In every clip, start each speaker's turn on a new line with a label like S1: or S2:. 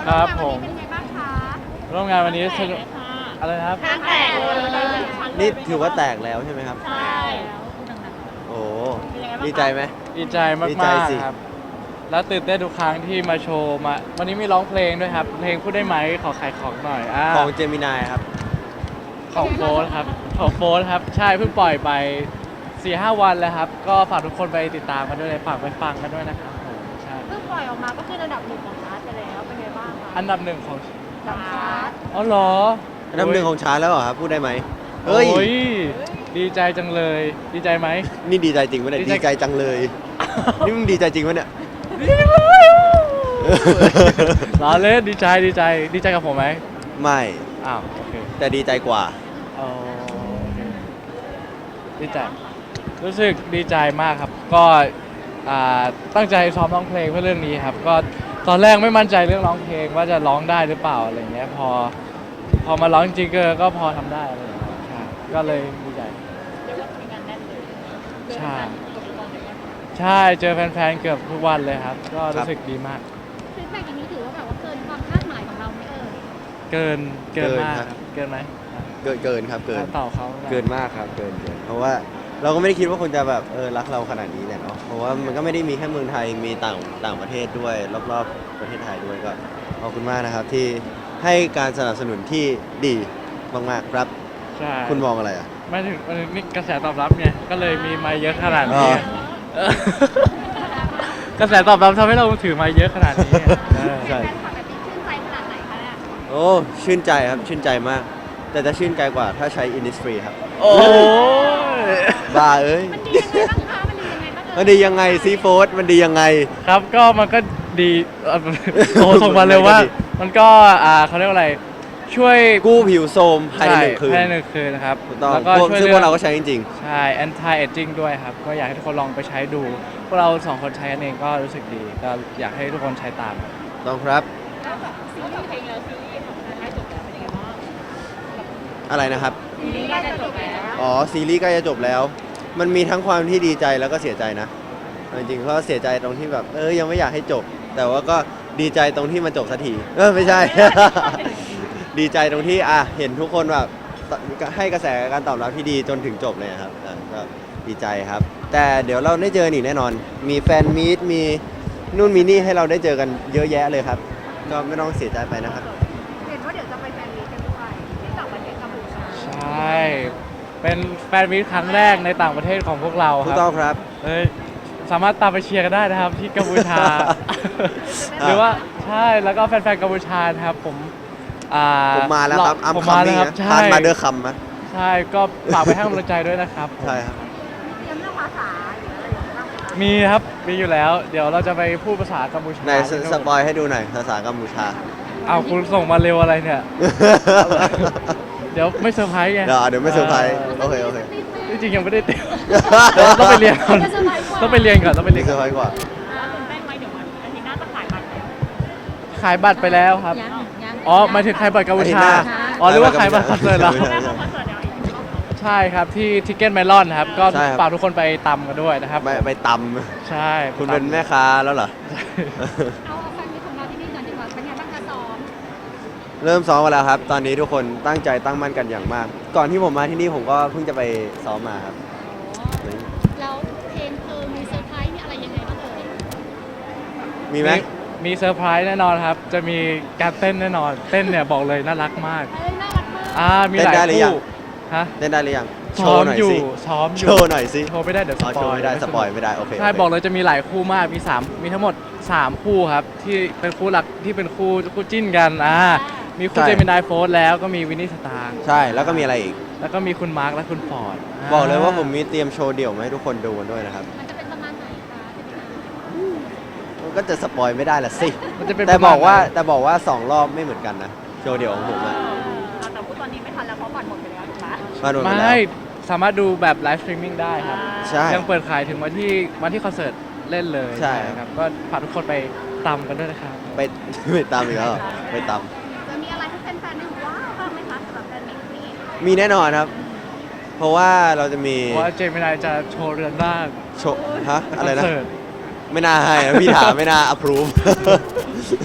S1: ครับผม
S2: เป็นไงบ้างคะ
S1: ร่วมงานวันนี้สนุกอะไรนะครับ
S2: ห้างแตกเลย
S3: นี่ถือว่าแตกแล้วใช่ไหมครับ
S2: ใช่
S3: โอ้ดีใจไหม
S1: ดีใจมาก
S3: ดีใจสิ
S1: ๆครับ แล้วตื่นเต้นทุกครั้งที่มาโชว์มาวันนี้มีร้องเพลงด้วยครับ เพลงพูดได้ไหมขอขายของหน่อย
S3: ของเจมินายครับ
S1: ของโฟร์ครับของโฟร์ครับ ใช่เพิ่งปล่อยไป 4-5 วันแล้วครับ ก็ฝากทุกคนไปติดตามกันด้วยเลยฝากไปฟังกันด้วยนะครับผมใช่
S2: เพิ่งปล่อยออกมาก็คือระดับหนึ่งของชาร์ตไปแล้วเป็นไงบ้างคะ
S1: อันดับหนึ่งของ
S2: ชาร์ต
S1: อ๋อเหรอ
S3: อันดับหนึ่งของชาร์ตแล้วเหรอครับ พูดได้ไหม
S1: เฮ้
S3: เฮ้
S1: ย
S3: ย
S1: ดีใจจังเลย ดีใจไหม
S3: นี่ดีใจจริงปะเนี่ย
S1: ดีใจ
S3: ดีใจจังเลย นี่มึงดีใจจริงปะเนี่ย
S1: ล้อเล่นดีใจดีใจดีใจกับผมไหม
S3: ไม่
S1: อ้าวโอเค
S3: แต่ดีใจกว่า
S1: อ๋อโอเคดีใจรู้สึกดีใจมากครับ ก็ตั้งใจซ้อมร้องเพลงเพื่อเรื่องนี้ครับ ก็ตอนแรกไม่มั่นใจเรื่องร้องเพลงว่าจะร้องได้หรือเปล่าอะไรเงี้ยพอมาร้องจริงๆก็พอทำได้อะไรอย่างเงี้ยใช่ก็เลยดีใจ
S2: เรียกว่ามีงานแน่นเลย
S1: ใช่ใช่เจอแฟนๆเกือบทุกวันเลยครับ ก็รู้สึกดีมาก
S2: ฟีดแบ็กอย่างนี้ถือว่าแบบว่าเกินความคาดหมายของเราไหม
S1: เกินมาก
S3: ครับ
S1: ครับเกินไหม
S3: เกินครับ เกิน
S1: ต่อเขา
S3: เกินมากครับ เกิน เพราะว่าเราก็ไม่ได้คิดว่าคนจะแบบรักเราขนาดนี้แหละเนาะ เพราะว่ามันก็ไม่ได้มีแค่เมืองไทย มีต่างประเทศด้วย รอบๆประเทศไทยด้วยก็ขอบคุณมากนะครับที่ให้การสนับสนุนที่ดีมากๆครับ
S1: ใช่
S3: คุณมองอะไรอ่ะ
S1: ไม่ถึงนี่กระแสตอบรับไงก็เลยมีมาเยอะขนาด
S3: อ๋
S1: นี้
S3: อ
S1: เออกระแสตอบรับทำให้เราถือมาเยอะขนาดนี้เออ
S3: ใช่
S2: แฟนคลับแบบนี้ชื่นใจขนาดไหนคะเนี่ย
S3: โอ้ชื่นใจครับ ชื่นใจมาก แต่จะชื่นใจกว่าถ้าใช้ Innisfree ครับ
S1: โอ้ย
S3: บ้าเอ้ย
S2: มันดียังไงบ้างคะมันดียังไงบ้าง
S3: มันดียังไงซีโฟสมันดียังไง
S1: ครับก็มันก็ดีโอ้ส่งมาเร็วว่า มันก็เขาเรียกว่าอะไรช่วย
S3: กู้ผิวโทรมภายใน1 คืน
S1: ภายใน1 คืนนะครับ
S3: ถูกต้อง
S1: แล้วก็ช่วย
S3: ซึ่งพวกเราก็ใช้จริง
S1: ใช่ anti aging ด้วยครับ ก็อยากให้ทุกคนลองไปใช้ดู พวกเรา2 คนใช้กันเองก็รู้สึกดี ก็อยากให้ทุกคนใช้ตาม
S3: ๆต้องครับ
S2: แล้วแบบซีรีส์เพลงแล้วซีรีส์ของชาร์ตใกล้จบแล้วเป็นยังไงบ้าง
S3: อะไรนะครับ
S2: ซีรีส์ใกล้จะจบแล้ว
S3: อ๋อ ซีรีส์ใกล้จะจบแล้ว มันมีทั้งความที่ดีใจแล้วก็เสียใจนะเอาจริงๆก็เสียใจตรงที่แบบยังไม่อยากให้จบ แต่ว่าก็ดีใจตรงที่มันจบสักทีไม่ใช่ ดีใจตรงที่เห็นทุกคนแบบให้กระแสการตอบรับที่ดีจนถึงจบเลยครับก็ดีใจครับ แต่เดี๋ยวเราได้เจออีกแน่นอน มีแฟนมีตมีนู่นมีนี่ให้เราได้เจอกันเยอะแยะเลยครับ ก็ไม่ต้องเสียใจไปนะครับ
S2: เห็นว่าเดี๋ยวจะไปแฟนมีตกันด้วยที่ต่างประเทศกัมพูชา
S1: ใช่ เป็นแฟนมีตครั้งแรกในต่างประเทศของพวกเราค
S3: ถูก
S1: รับ
S3: ต้องครับ
S1: สามารถตามไปเชียร์กันได้นะครับที่กัมพูชา หรือว่าใช่แล้วก็แฟนๆกัมพูชานะครับผม
S3: มาแล้วครับอัม
S1: ผม
S3: คัม
S1: มาแล้ว
S3: มิ่ง
S1: ครับ
S3: นะ
S1: ใช่
S3: ทานมาเดอร์คัมนะ
S1: ใช่ก็ฝากไปให้กำลังใจด้วยนะครับผม
S3: ใช่ครับ
S2: เตรียมเรื่องภาษาหรืออะไรอย่างเงี้ยบ้างคะ
S1: มีครับมีอยู่แล้ว เดี๋ยวเราจะไปพูดภาษากัมพูชา
S3: ในสปอยให้ดูหน่อยภาษากัมพูชา
S1: เอาคุณส่งมาเร็วอะไรเนี่ย เดี๋ยวไม่เซอร์ไพรส์ไง
S3: เดี๋ยวไม่เซอร์ไพรส์โอเค
S1: ที่จริงยังไม่ได้เตรียมต้องไปเรียนก่อนต้องไปเรียนก่อนต้องไปเรี
S3: นี่
S1: ยน
S3: เซอร์ไพรส์กว่า
S2: ตื่นเต้นไหมเดี๋ยววันอาทิตย์หน้าจะขายบัตรแล้ว
S1: ขายบัตรไปแล้วครับ
S2: ยัง
S1: อ๋อหมายถึงขายบัตรกัมพูชา
S3: อาทิตย์หน้า
S1: อ๋อหรือว่าขายบัตรคอนเสิร์ตเหรอ
S3: ไม่ใช่
S2: คอนเสิร์ตเดี๋ยวอีกรอบ
S1: ใช่ครับที่ทิกเก็ตเมลอนครับ ก็
S3: ใช่ครับ
S1: ฝากทุกคนไปตำกันด้วยนะครับ
S3: ไปต
S1: ใช่
S3: ำคุณเป็นแม่ค้าแล้วเหรอ
S2: เอาแฟนมีตของเราที่นี่ก่อนดีกว่าเป็นไงบ้างคะซ้อม
S3: เริ่มซ้อมมาแล้วครับ ตอนนี้ทุกคนตั้งใจตั้งมั่นกันอย่างมาก ก่อนที่ผมมาที่นี่ผมก็เพิ่งจะไปซ้อมมาครับ
S2: แล้วเพลงมีเซอร์ไพรส์มีอะไรยังไงบ้างเอ่ย
S3: มีไหม
S1: มีเซอร์ไพรส์แน่นอนครับ จะมีการเต้นแน่นอน เต้นเนี่ยบอกเลยน่ารักมาก
S2: น่ารักมาก
S1: มีหลาย
S3: เต้นได้หรือยั
S1: คู่
S3: ง
S1: ฮะ
S3: เล่นได้หรือยังโช
S1: ซ้อ
S3: ว์
S1: ม
S3: หน่อย
S1: อยู่
S3: สิ
S1: ซ้อมอ
S3: โช
S1: ยู่
S3: ว์หน่อยสิ
S1: โชว์ไม่ได้เดี๋ยวส
S3: อ๋อ
S1: ป
S3: โช
S1: อ
S3: ว์
S1: ย
S3: ไม่ได้สปอยไม่ได้โอเค
S1: ใช่
S3: โอเค
S1: บอกเลยจะมีหลายคู่มากมีทั้งหมด3คู่ครับที่เป็นคู่หลักที่เป็นคู่จิ้นกันมีคุณเจมินายโฟร์แล้วก็มีวินนี่สตาร์
S3: ใช่แล้วก็มีอะไรอีก
S1: แล้วก็มีคุณมาร์คและคุณฟอร์ด
S3: บอกเลยว่าผมมีเตรียมโชว์เดี่ยวมาให้ทุกคนดูกันด้วยนะครับ
S2: มันจะเป็นประมาณไหนคะ
S3: มันก็จะสปอยไม่ได้ละสิ
S1: มันจะเป็น
S3: แต่
S1: ประม
S3: บ
S1: ณ
S3: อกว่า
S1: ไหน
S3: แต่บอกว่า2 รอบไม่เหมือนกันนะโชว์เดี่ยวของผมอะ
S2: แต่พูดตอนนี้ไม่ทันแล้วเพราะบัตรหมดไปแล้วถูกไหม
S3: มาโดนไปแล้ว
S1: ไม่สามารถดูแบบไลฟ์สตรีมมิ่งได้ครับ
S3: ใช่
S1: ยังเปิดขายถึงวันที่คอนเสิร์ตเล่นเลย
S3: ใช่
S1: ครับก็ฝากทุกคนไปตำกันด้วยนะครับ
S3: ไป ไปตามอีกแล้วเหรอไปตาม
S2: จะมีอะไรที่แฟนๆได้ว้าวบ้างไหมคะสำหรับแฟนมิตรนี้
S3: มีแน่นอนครับ เพราะว่าเราจะมี
S1: เพราะว่าเจมินายจะโชว์เรือนร่าง
S3: โชว์อะไร
S1: ค
S3: นะ
S1: เสิร์ต
S3: ไม่น่าให้นะพี่ถามไม่น่า approve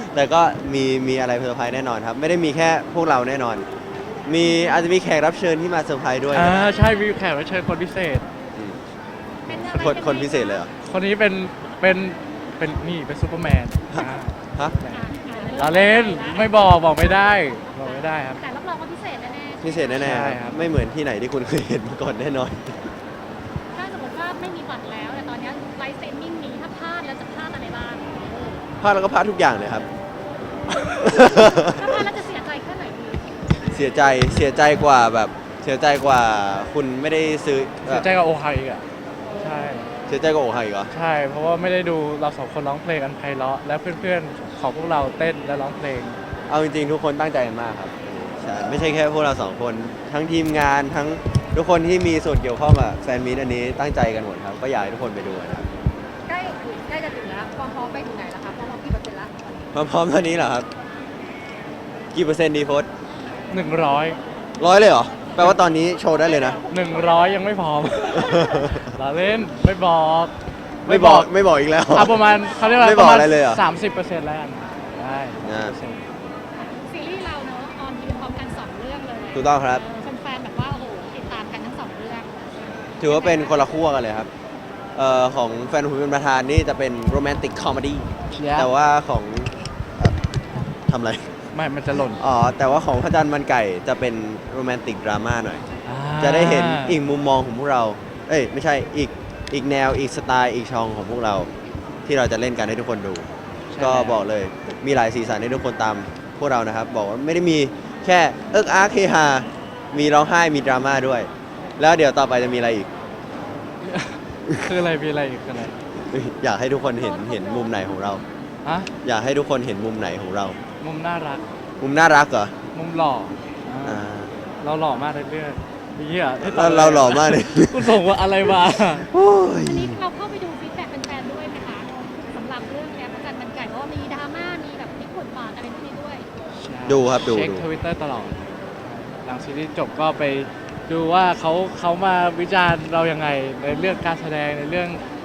S3: แต่ก็มีอะไรเซอร์ไพรส์แน่นอนครับ ไม่ได้มีแค่พวกเราแน่นอน อาจจะมีแขกรับเชิญที่มาเซอร์ไพรส์ด้วยนะ
S1: ใช่มีแขกรับเชิญคนพิเศษ
S3: อืม
S2: เป็นอะไร
S3: คนพิเศษเลยเหรอ
S1: คนนี้เป็นนี่เป็นซูเปอร์แมน
S3: ฮะ
S1: เราเล่นไม่บอกไม่ได้ครับ
S2: แต่รับรองว่าพิเศษแน่
S3: พิเศษแน่
S1: ใช่
S3: ๆ
S1: ครับ
S3: ไม่เหมือนที่ไหนที่คุณเคยเห็นมาก่อนแน่นอน
S2: ๆถ้าสมมติว่าไม่มีบัตรแล้วแต่ตอนนี้ไลฟ์สตรีมมิ่งมีถ้าพลาดแล้วจะพลาดอะไรบ้าง
S3: พลาดแล้วก็พลาดทุกอย่างเลยครับ
S2: ถ้าพลาดแล้วจะเสียใจแค่ไหนดี
S3: เสียใจกว่าแบบเสียใจกว่าคุณไม่ได้ซื้อ
S1: เสียใจกับโอไฮอีกอ่ะใช่
S3: เสียใจกว่าโอไฮอีกเหรอ
S1: ใช่ เพราะว่าไม่ได้ดูเราสองคนร้องเพลงอันไพเราะและเพื่อนๆของพวกเราเต้นและร้องเพลง
S3: เอาจริงๆทุกคนตั้งใจกันมากครับใช่ไม่ใช่แค่พวกเราสองคนทั้งทีมงานทั้งทุกคนที่มีส่วนเกี่ยวข้องกับแฟนมีตอันนี้ตั้งใจกันหมดครับก็อยากให้ทุกคนไปดูนะครับ
S2: ใกล้จะถึงแล้วความพร้อมไปถึงไหนแล้วคะความพร้อมกี่เปอร์เซ็นต์ละ
S3: ความพร้อมตอนนี้เหรอครับกี่เปอร์เซ็นต์ดีโฟส
S1: 100
S3: 100เลยเหรอแปลว่าตอนนี้โชว์ได้เลยนะ
S1: 100ยังไม่พร้อม เราเล่นไม่บอก
S3: ไม่บอกอีกแล้ว
S1: ประมาณเขาเรียกว่า
S3: ไม่
S1: ป
S3: บอก
S1: ระมาณ
S3: อะไรเลยเหรอ
S1: 30%แล้วกันได้
S2: ซีรีส์เราเนอะออนทีวีพร้อมกัน2เรื่องเลย
S3: ถูกต้องครับ
S2: แฟนๆแบบว่าโอ้โหติดตามกันทั้ง2เรื่อง
S3: ถือว่าเป็นคนละขั้วกันเลยครับของแฟนผมเป็นประธานนี่จะเป็นโรแมนติกคอมเมดี้
S1: Yeah
S3: แต่ว่าของทำอะไร
S1: ไม่มันจะหล่น
S3: อ๋อ แต่ว่าของพระจันทร์มันไก่จะเป็นโรแมนติกดราม่าหน่อย
S1: อ่า
S3: จะได้เห็นอีกมุมมองของพวกเรา เอ้ย ไม่ใช่อีกแนวอีกสไตล์อีกช่องของพวกเรา ที่เราจะเล่นกันให้ทุกคนดู
S1: ใช่
S3: ก็
S1: แล้ว
S3: บอกเลยมีหลายสีสันให้ทุกคนตามพวกเรานะครับ บอกว่าไม่ได้มีแค่เอิกอาร์คเฮฮามีร้องไห้มีดราม่าด้วย แล้วเดี๋ยวต่อไปจะมีอะไรอีก
S1: คืออะไรมีอะไรอีกคืออะไร
S3: อยากให้ทุกคนเห็นมุมไหนของเรา
S1: อะ
S3: อยากให้ทุกคนเห็นมุมไหนของเรา
S1: มุมน่ารัก
S3: มุมน่ารักเหรอ
S1: มุมหล่อ
S3: อ่า
S1: เราหล่อมากเลยเพื่อนเหี้ยให้ต
S3: เราหล่อมากเลย
S1: คุณส่งว่าอะไรมา
S3: โอ้ย
S2: อันนี้เราเข้าไปดูฟีดแบ็กแฟนๆด้วยไหมคะสำหรับเรื่องเนี้ยพระจันทร์มันไก่เพราะว่ามีดราม่ามีแบบพลิกบทบาทอะไรพวกนี้ด้วย
S3: ดูครับดู
S1: เช็ค
S3: ดู
S1: ทวิตเตอร์ตลอด หลังซีรีส์จบก็ไปดูว่าเขามาวิจารณ์เรายังไงในเรื่องการแสดงในเรื่อง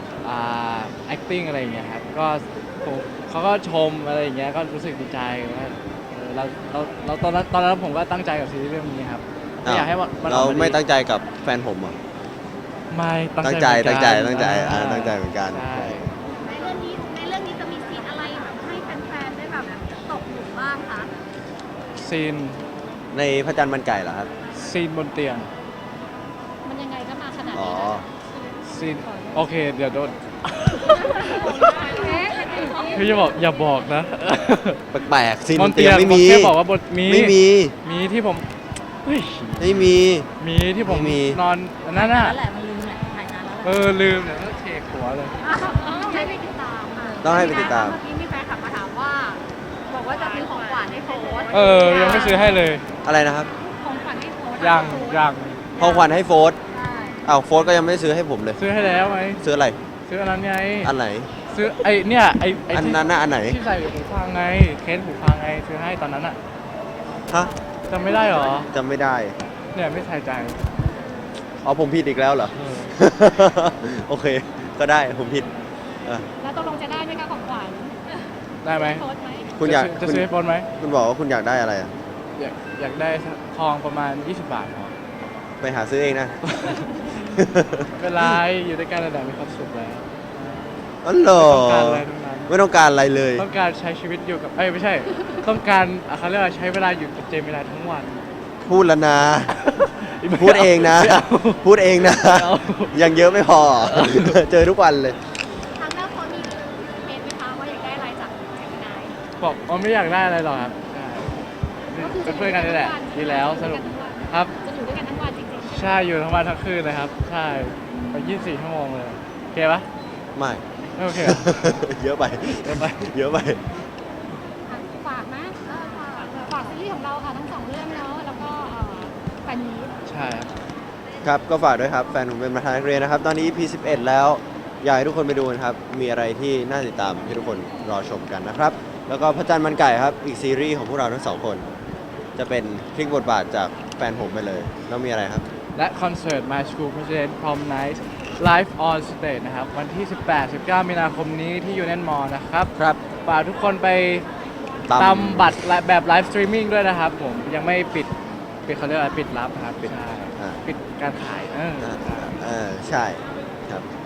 S1: acting อะไรอย่างเงี้ยครับก็เขาก็ชมอะไรอย่างเงี้ยก็รู้สึกดีใจว่าเราตอนนั้นผมก็ตั้งใจกับซีรีส์เรื่องนี้ครับไม่อยากให้มัน
S3: เรา
S1: ออกมาดี
S3: ไม่ตั้งใจกับแฟนผมเหรอ
S1: ไม่
S3: ตั้งใจ
S1: เหมือนกัน
S3: ตั้งใจตั้งใจเหมือนกัน
S1: ใช่
S2: ในเรื่องนี้จะมีซีนอะไรแบบให้แฟนๆได้แบบตกหลุมบ้างคะ
S1: ซีน
S3: ในพระจันทร์มันไก่เหรอครับ
S1: ซีนบนเตียง
S2: มันยังไงก็มาขนาด
S3: อ๋อ
S2: นี้นะ
S1: ซีนโอเคเดี๋ยวโดน
S2: เอ๊ะ
S1: พี่จะบอกอย่าบอกนะ
S3: แปลกๆซีน
S1: บบ น
S3: น
S1: เตี
S3: เตี
S1: ย
S3: ย
S1: ง
S3: งไม่
S1: ผม
S3: มี
S1: แค่บอกว่าบนมี
S3: ไม่มี
S1: มีที่ผมเฮ้ย
S3: ไม่มี
S1: มีที่ผม
S3: ไม่มี
S1: นอนอันนั้นน่ะ
S2: นั่นแหละมันลืมแหละถ่ายนานแล้วแหละ
S1: ลืมเนี่ยต้องเช็คหัวเลย
S2: ต้องให้ไปติดตามค่ะ
S3: ต้องให้ไปติดตาม
S2: เมื่อกี้มีแฟนคลับมาถามว่า บอกว่าจะซื้อของขวัญให้โฟส
S1: ยังไม่ซื้อให้เลย
S3: อะไรนะครับ
S2: ของขวัญให้โฟส
S1: ยัง
S3: ของขวัญให้โฟร์ธ
S2: ใช่
S3: อ้าวโฟร์ธก็ยังไม่ได้ซื้อให้ผมเลย
S1: ซื้อให้แล้วไหม
S3: ซื้ออะไร
S1: ซื้ออันนั้นไง
S3: อันไหน
S1: ซื้อไอ้เนี่ยไอ้
S3: อัน
S1: ที่
S3: นั้นน่ะอันไหน
S1: ที่ใส่หูฟังไงเคสหูฟังไงซื้อให้ตอนนั้นอ่ะ
S3: ฮะ
S1: จำไม่ได้เหรอ
S3: จำไม่ได้
S1: เนี่ยไม่ใส่ใจ
S3: อ๋อผมผิดอีกแล้วเหรอ
S1: เออ
S3: โอเค ก็ได้ผมผิดอ่ะ
S2: แล้วตกลงจะได้ไหมคะของขวัญ
S1: ได้ไหม
S2: โฟสไหม
S3: คุณอยาก
S1: จะ
S3: คุณ
S1: ซื้อให้ปนไหม
S3: คุณบอกว่าคุณอยากได้อะไรอ่ะ
S1: อยากได้ทองประมาณ 20 บาทพอ
S3: ไปหาซื้อเองนะ
S1: ไม่เป็นไรอยู่ด้วยกันระดับมีความสุขแล้ว
S3: อ๋อเหรอ
S1: ต้องการอะไรทั้งนั้น
S3: ไม่ต้องการอะไรเลย
S1: ต้องการใช้ชีวิตอยู่กับไม่ใช่ ต้องการเขาเรียกว่าใช้เวลาอยู่กับเจมินายทั้งวัน
S3: พูดแล้วนะ
S1: ไม่
S3: พูดเองนะ
S1: ไม่า
S3: พูดเองนะ
S1: ไม่เอา
S3: ยังเยอะไม่พอ เจอทุกวันเลย
S2: ครั้งแรกเขามีเมนไหมคะว่าอยากได้อะไรจากเจมินาย
S1: บอกว่าไม่อยากได้อะไรหรอกครับใช่เป็นเพื่อนกันนี่แหละดีแล้วสนุกครับ
S2: จะอยู่ด้วยกันทั้งวันจริงๆ
S1: ใช่อยู่ทั้งวันทั้งคืนเลยครับ ใช่ไป24 ชั่วโมงเลยโอเคปะ
S3: ไม่
S1: ไม่โอเคเหรอ
S3: เยอะไป
S1: เดี๋ยวไป
S3: เยอะไป
S2: ฝากนะฝากซีรีส์ของเราค่ะทั้งสองเรื่องเนาะแล้วก็แฟนมีต
S1: ใช่ครับ
S3: ครับ ก็ฝากด้วยครับ แฟนผมเป็นประธานนักเรียนนะครับ ตอนนี้ EP 11 แล้ว อยากให้ทุกคนไปดูนะครับ มีอะไรที่น่าติดตามให้ทุกคนรอชมกันนะครับ แล้วก็พระจันทร์มันไก่ครับ อีกซีรีส์ของพวกเราทั้งสองคน จะเป็นพลิกบทบาทจากแฟนผมไปเลย แล้วมีอะไรครับ
S1: และคอนเสิร์ต My School President Prom Night Live on Stage นะครับ วันที่ 18-19 มีนาคมนี้ที่ยูเน m มอลล์นะครับ
S3: ครับ
S1: ฝากทุกคนไปตามบัตรแบบไลฟ์สตรีมมิ่งด้วยนะครับผมยังไม่ปิดเขาเรียกอะไรปิดรับครับใช่ปิดการขาย
S3: ใช่ครับ